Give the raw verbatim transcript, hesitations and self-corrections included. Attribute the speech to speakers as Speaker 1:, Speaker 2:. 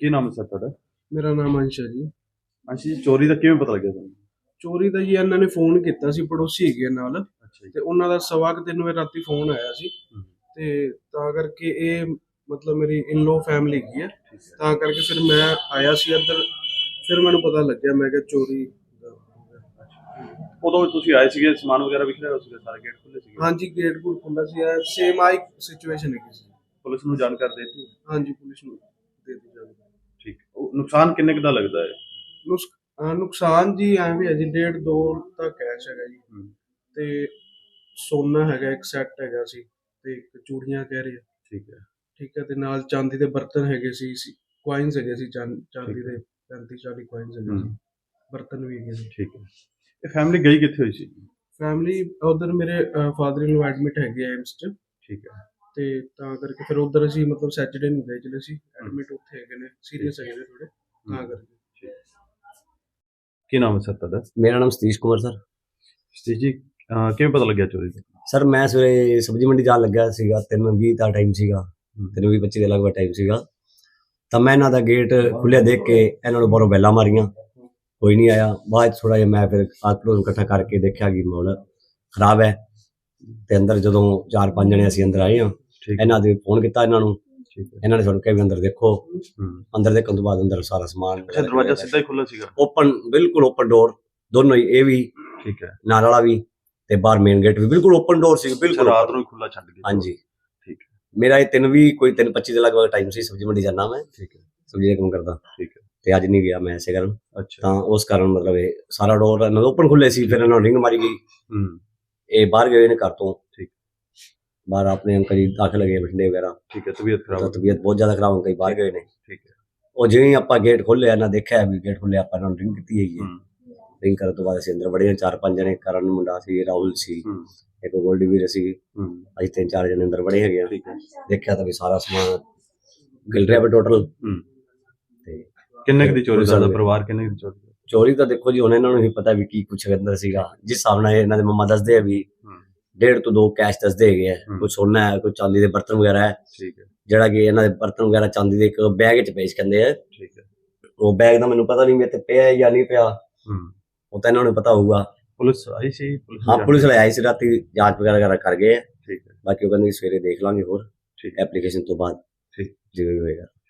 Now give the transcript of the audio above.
Speaker 1: ਕੀ ਨਾਮ ਹੈ ਸਰ ਤੁਹਾਡਾ?
Speaker 2: ਮੇਰਾ ਨਾਮ ਅੰਸ਼ ਹੈ ਜੀ।
Speaker 1: ਅੰਸ਼ ਜੀ, ਚੋਰੀ ਦਾ ਕਿਵੇਂ ਪਤਾ ਲੱਗਿਆ ਤੁਹਾਨੂੰ?
Speaker 2: ਚੋਰੀ ਦਾ ਜੀ ਇਹਨਾਂ ਨੇ ਫੋਨ ਕੀਤਾ ਸੀ, ਪੜੋਸੀ ਹੈਗੇ ਨਾਲ,
Speaker 1: ਅੱਛਾ ਜੀ।
Speaker 2: ਤੇ ਉਹਨਾਂ ਦਾ ਸਵਾ ਕੁ ਤਿੰਨ ਵਜੇ ਰਾਤੀ ਫੋਨ ਆਇਆ ਸੀ,
Speaker 1: ਹੂੰ,
Speaker 2: ਤੇ ਤਾਂ ਕਰਕੇ ਇਹ ਮਤਲਬ ਮੇਰੀ ਇਨ-ਲੋ ਫੈਮਿਲੀ ਹੈਗੀ ਹੈ,
Speaker 1: ਠੀਕ ਹੈ।
Speaker 2: ਤਾਂ ਕਰਕੇ ਫਿਰ ਮੈਂ ਆਇਆ ਸੀ ਇੱਧਰ, ਫਿਰ ਮੈਨੂੰ ਪਤਾ ਲੱਗਿਆ, ਮੈਂ ਕਿਹਾ ਚੋਰੀ ਦਾ ਹੋ ਗਿਆ।
Speaker 1: ਉਦੋਂ ਤੁਸੀਂ ਆਏ ਸੀਗੇ, ਸਮਾਨ ਵਗੈਰਾ ਵਿਖ ਰਿਹਾ ਸੀਗਾ, ਸਾਰੇ ਗੇਟ ਖੁੱਲੇ ਸੀਗੇ?
Speaker 2: ਹਾਂਜੀ, ਗੇਟ ਗੂਟ ਖੁੱਲ੍ਹਾ ਸੀ, ਸੇਮ ਆਈ ਸਿਚੁਏਸ਼ਨ ਹੈਗੀ ਸੀ।
Speaker 1: ਪੁਲਿਸ ਨੂੰ ਜਾਣਕਾਰੀ ਦੇ ਦਿੱਤੀ?
Speaker 2: ਹਾਂਜੀ, ਪੁਲਿਸ ਨੂੰ ਦੇ ਦਿੱਤੀ ਜਾਵੇ।
Speaker 1: ਠੀਕ। ਉਹ ਨੁਕਸਾਨ ਕਿੰਨੇ ਕੁ ਦਾ ਲੱਗਦਾ ਹੈ?
Speaker 2: ਨੁਕਸ ਅਹ ਨੁਕਸਾਨ ਜੀ ਐਵੇਂ ਹੈ ਜੀ, ਡੇਢ ਦੋ ਤਾਂ ਕੈਸ਼ ਹੈਗਾ ਜੀ,
Speaker 1: ਹੂੰ,
Speaker 2: ਤੇ ਸੋਨਾ ਹੈਗਾ, ਇੱਕ ਸੈੱਟ ਹੈਗਾ ਸੀ, ਤੇ ਇੱਕ ਚੂੜੀਆਂ ਕਹਿ ਰਹੇ ਆ।
Speaker 1: ਠੀਕ ਹੈ।
Speaker 2: ਠੀਕ ਹੈ, ਤੇ ਨਾਲ ਚਾਂਦੀ ਦੇ ਬਰਤਨ ਹੈਗੇ ਸੀ, ਕੁਆਇਨਸ ਹੈਗੇ ਸੀ, ਚਾਂ- ਚਾਂਦੀ
Speaker 1: ਠੀਕ ਹੈ।
Speaker 2: ਦੇ ਪੈਂਤੀ ਚਾਲੀ ਕੁਆਇਨਸ ਹੈਗੇ ਸੀ,
Speaker 1: ਹੂੰ,
Speaker 2: ਬਰਤਨ ਵੀ ਹੈਗੇ ਸੀ।
Speaker 1: ਠੀਕ ਹੈ। ਇਹ ਫੈਮਿਲੀ ਗਈ ਕਿੱਥੇ ਹੋਈ ਸੀ?
Speaker 2: ਫੈਮਿਲੀ ਉਧਰ ਮੇਰੇ ਫਾਦਰ ਇਨ ਲੋ ਐਡਮਿਟ ਹੈਗੇ ਆ ਏਮਸ 'ਚ,
Speaker 1: ਠੀਕ ਹੈ।
Speaker 2: ਤੇ ਤਾਂ ਕਰਕੇ ਫਿਰ ਉਧਰ ਅਸੀਂ ਮਤਲਬ ਸੈਚਰਡੇ ਨੂੰ ਗਏ ਚਲੇ ਸੀ, ਐਡਮਿਟ ਉੱਥੇ ਹੈਗੇ ਨੇ, ਸੀਰੀਅਸ ਹੈਗੇ ਨੇ ਥੋੜੇ, ਤਾਂ ਕਰਕੇ।
Speaker 1: ਕੀ ਨਾਮ ਹੈ ਸਰ ਤੁਹਾਡਾ?
Speaker 3: मेरा नाम सतीश कुमार सर।
Speaker 1: ਸਤੀਸ਼ ਜੀ, ਅਹ ਕਿਵੇਂ ਪਤਾ ਲੱਗਿਆ ਚੋਰੀ ਦਾ?
Speaker 3: ਸਰ ਮੈਂ ਸਵੇਰੇ ਸਬਜ਼ੀ ਮੰਡੀ ਜਾਣ ਲੱਗਿਆ ਸੀਗਾ, ਤਿੰਨ ਵੀਹ ਦਾ ਟਾਈਮ ਸੀਗਾ, ਤਿੰਨ ਵੀਹ ਪੱਚੀ ਦੇ ਲਗਭਗ ਟਾਈਮ ਸੀਗਾ, ਤਾਂ ਮੈਂ ਇਹਨਾਂ ਦਾ ਗੇਟ ਖੁੱਲ੍ਹਿਆ ਦੇਖ ਕੇ ਇਹਨਾਂ ਨੂੰ ਬਾਹਰੋਂ ਬੈਲਾਂ ਮਾਰੀਆਂ, ਕੋਈ ਨਹੀਂ ਆਇਆ। ਬਾਅਦ 'ਚ ਥੋੜ੍ਹਾ ਜਿਹਾ ਮੈਂ ਫਿਰ ਆਟੋ ਨੂੰ ਇਕੱਠਾ ਕਰਕੇ ਦੇਖਿਆ ਕਿ ਮਾਹੌਲ ਖਰਾਬ ਹੈ, ਤੇ ਅੰਦਰ ਜਦੋਂ ਚਾਰ ਪੰਜ ਜਣੇ ਅਸੀਂ ਅੰਦਰ ਆਏ ਹਾਂ,
Speaker 1: ਠੀਕ ਹੈ।
Speaker 3: ਇਹਨਾਂ ਦੇ ਫੋਨ ਕੀਤਾ ਇਹਨਾਂ ਨੂੰ,
Speaker 1: ਠੀਕ ਹੈ।
Speaker 3: ਇਹਨਾਂ ਨੇ ਸਾਨੂੰ ਕਿਹਾ ਵੀ ਅੰਦਰ ਦੇਖੋ।
Speaker 1: ਹੂੰ।
Speaker 3: ਅੰਦਰ ਦੇਖਣ ਤੋਂ ਬਾਅਦ ਅੰਦਰ ਸਾਰਾ ਸਮਾਨ
Speaker 1: ਅੱਛਾ, ਦਰਵਾਜ਼ਾ ਸਿੱਧਾ ਹੀ ਖੁੱਲ੍ਹਾ ਸੀਗਾ?
Speaker 3: ਓਪਨ, ਬਿਲਕੁਲ ਓਪਨ ਡੋਰ, ਦੋਨੋਂ ਹੀ, ਇਹ ਵੀ
Speaker 1: ਠੀਕ ਹੈ।
Speaker 3: ਨਾਲ ਵਾਲਾ ਵੀ, ਤੇ ਬਾਹਰ ਮੇਨ ਗੇਟ ਵੀ ਬਿਲਕੁਲ ਓਪਨ ਡੋਰ ਸੀ, ਬਿਲਕੁਲ
Speaker 1: ਰਾਤ ਨੂੰ ਹੀ ਖੁੱਲ੍ਹਾ ਛੱਡ ਗਏ?
Speaker 3: ਹਾਂਜੀ।
Speaker 1: ਠੀਕ ਹੈ।
Speaker 3: ਮੇਰਾ ਇਹ ਤਿੰਨ ਵੀ ਕੋਈ ਤਿੰਨ ਪੱਚੀ ਦੇ ਲਗਭਗ ਟਾਈਮ ਸੀ, ਸਬਜ਼ੀ ਮੰਡੀ ਜਾਣਾ ਮੈਂ,
Speaker 1: ਠੀਕ ਹੈ।
Speaker 3: ਸਬਜ਼ੀ ਦਾ ਕੰਮ ਕਰਦਾ,
Speaker 1: ਠੀਕ ਹੈ।
Speaker 3: ਤੇ ਅੱਜ ਨਹੀਂ ਗਿਆ ਮੈਂ ਇਸੇ ਕਾਰਨ,
Speaker 1: ਅੱਛਾ।
Speaker 3: ਤਾਂ ਉਸ ਕਾਰਨ ਮਤਲਬ ਇਹ ਸਾਰਾ ਡੋਰ ਇਹਨਾਂ ਦੇ ਓਪਨ ਖੁੱਲੇ ਸੀ, ਫਿਰ ਇਹਨਾਂ ਨੂੰ ਰਿੰਗ ਮਾਰੀ ਗਈ,
Speaker 1: ਹੂੰ,
Speaker 3: ਇਹ ਬਾਹਰ ਗਏ ਨੇ ਘਰ ਤੋਂ।
Speaker 1: ਠੀਕ।
Speaker 3: ਬਾਹਰ ਆਪਣੇ ਅੰਕਲ ਜੀ ਦਾਖਲ ਗਏ ਬਠਿੰਡੇ ਵਗੈਰਾ,
Speaker 1: ਠੀਕ ਹੈ। ਤਬੀਅਤ ਖਰਾਬ?
Speaker 3: ਤਾਂ ਤਬੀਅਤ ਬਹੁਤ ਜ਼ਿਆਦਾ ਖਰਾਬ ਹੋ ਗਈ, ਬਾਹਰ ਗਏ ਨੇ।
Speaker 1: ਠੀਕ ਹੈ।
Speaker 3: ਉਹ ਜਿਵੇਂ ਹੀ ਆਪਾਂ ਗੇਟ ਖੋਲ੍ਹਿਆ, ਇਹਨਾਂ ਦੇਖਿਆ ਵੀ ਗੇਟ ਖੁੱਲਿਆ, ਆਪਾਂ ਇਹਨਾਂ ਨੂੰ ਰਿੰਗ ਕੀਤੀ ਹੈਗੀ ਹੈ।
Speaker 1: ਹੂੰ,
Speaker 3: ਰਿੰਗ ਕਰਨ ਤੋਂ ਬਾਅਦ ਅਸੀਂ ਅੰਦਰ ਵੜੇ, ਚਾਰ ਪੰਜ ਜਣੇ, ਕਰਨ ਮੁੰਡਾ ਸੀ, ਰਾਹੁਲ ਸੀ,
Speaker 1: ਹੂੰ,
Speaker 3: ਇੱਕ ਗੋਲਡੀ ਵੀਰ ਸੀ,
Speaker 1: ਹੂੰ,
Speaker 3: ਅਸੀਂ ਤਿੰਨ ਚਾਰ ਜਣੇ ਅੰਦਰ ਵੜੇ ਹੈਗੇ ਆ।
Speaker 1: ਠੀਕ ਹੈ।
Speaker 3: ਦੇਖਿਆ ਤਾਂ ਵੀ ਸਾਰਾ ਸਮਾਨ ਗਿਲ ਰਿਹਾ ਵਾ ਟੋਟਲ।
Speaker 1: ਹੂੰ।
Speaker 3: ਤੇ
Speaker 1: ਕਿੰਨੇ ਕੁ ਦੀ ਚੋਰੀ ਦਾ ਪਰਿਵਾਰ, ਕਿੰਨੇ ਕੁ ਦੀ ਚੋਰੀ?
Speaker 3: ਚੋਰੀ ਤਾਂ ਦੇਖੋ ਜੀ ਹੁਣ ਇਹਨਾਂ ਨੂੰ ਹੀ ਪਤਾ ਵੀ ਕੀ ਕੁਛ ਅੰਦਰ ਸੀਗਾ, ਜਿਸ ਹਿਸਾਬ ਨਾਲ ਇਹਨਾਂ ਦੇ ਮੰਮਾ ਦੱਸਦੇ ਆ ਵੀ ਡੇਢ ਤੋਂ ਦੋ ਕੈਸ਼ ਦੱਸਦੇ ਹੈਗੇ ਆ, ਕੋਈ ਸੋਨਾ ਹੈ, ਕੋਈ ਚਾਂਦੀ ਦੇ ਬਰਤਨ ਵਗੈਰਾ ਹੈ।
Speaker 1: ਠੀਕ ਹੈ।
Speaker 3: ਜਿਹੜਾ ਕਿ ਇਹਨਾਂ ਦੇ ਬਰਤਨ ਵਗੈਰਾ ਚਾਂਦੀ ਦੇ ਇੱਕ ਬੈਗ 'ਚ ਪੇਸ਼ ਕਹਿੰਦੇ ਆ।
Speaker 1: ਠੀਕ ਹੈ।
Speaker 3: ਉਹ ਬੈਗ ਦਾ ਮੈਨੂੰ ਪਤਾ ਨਹੀਂ ਮੇਰੇ ਤੇ ਪਿਆ ਹੈ ਜਾਂ ਨਹੀਂ ਪਿਆ,
Speaker 1: ਹੂੰ,
Speaker 3: ਉਹ ਤਾਂ ਇਹਨਾਂ ਨੂੰ ਪਤਾ ਹੋਊਗਾ।
Speaker 1: ਪੁਲਿਸ ਆਈ ਸੀ?
Speaker 3: ਹਾਂ, ਪੁਲਿਸ ਵਾਲੇ ਆਈ ਸੀ ਰਾਤੀ, ਜਾਂਚ ਵਗੈਰਾ ਕਰ ਗਏ ਆ।
Speaker 1: ਠੀਕ ਹੈ।
Speaker 3: ਬਾਕੀ ਉਹ ਕਹਿੰਦੇ ਸਵੇਰੇ ਦੇਖ ਲਾਂਗੇ ਹੋਰ
Speaker 1: ਠੀਕ,
Speaker 3: ਐਪਲੀਕੇਸ਼ਨ ਤੋਂ ਬਾਅਦ
Speaker 1: ਠੀਕ,
Speaker 3: ਜਿਵੇਂ ਵੀ ਹੋਏਗਾ।